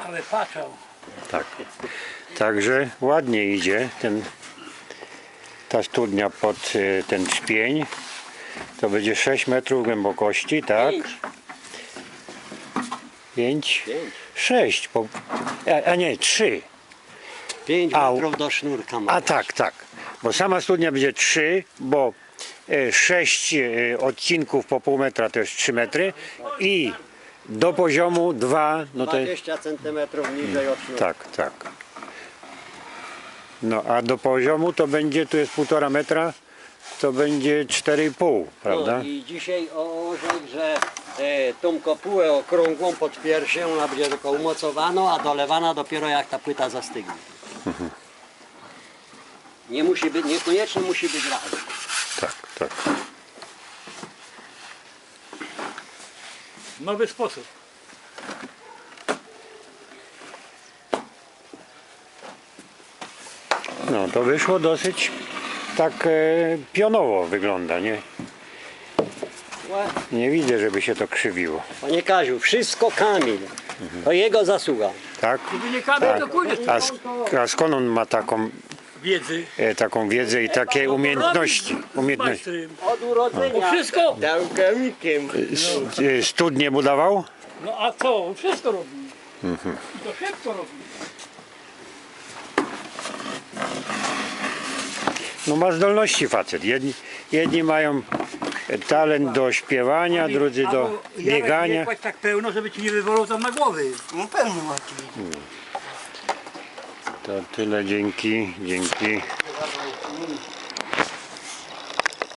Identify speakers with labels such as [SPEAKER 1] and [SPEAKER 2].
[SPEAKER 1] Ale patrzał.
[SPEAKER 2] Tak. Także ładnie idzie ta studnia pod ten trzpień. To będzie 6 metrów głębokości, tak? 5, 6, a nie 3.
[SPEAKER 3] 5 metrów do sznurka ma.
[SPEAKER 2] A tak, tak. Bo sama studnia będzie 3, bo 6 odcinków po pół metra to jest 3 metry i do poziomu 2, no to
[SPEAKER 3] 20 cm niżej od sznurka.
[SPEAKER 2] tak, tak. No a do poziomu to będzie, tu jest 1,5 metra, to będzie 4,5, prawda?
[SPEAKER 3] No i dzisiaj orzekł, że tą kopułę okrągłą pod piersią, ona będzie tylko umocowana, a dolewana dopiero jak ta płyta zastygnie. Nie musi być, niekoniecznie musi być razem.
[SPEAKER 2] Tak, tak.
[SPEAKER 1] Nowy sposób.
[SPEAKER 2] No to wyszło dosyć tak pionowo wygląda, nie? Nie widzę, żeby się to krzywiło.
[SPEAKER 3] Panie Kaziu, wszystko Kamil. To jego zasługa.
[SPEAKER 2] Tak?
[SPEAKER 1] Gdyby nie Kamil, to pójdzie.
[SPEAKER 2] A skąd on ma
[SPEAKER 1] Wiedzy.
[SPEAKER 2] taką wiedzę i takie umiejętności?
[SPEAKER 1] Majstrem.
[SPEAKER 3] Od urodzenia.
[SPEAKER 1] Wszystko.
[SPEAKER 3] Dałgamikiem.
[SPEAKER 2] Studnie budował?
[SPEAKER 1] No a co? On wszystko robi. I to szybko robi.
[SPEAKER 2] No ma zdolności facet. Jedni mają talent do śpiewania, drudzy do biegania.
[SPEAKER 1] Nie kładź tak pełno, żeby ci nie wywalło tam na głowy.
[SPEAKER 3] No pewnie macie.
[SPEAKER 2] To tyle, dzięki.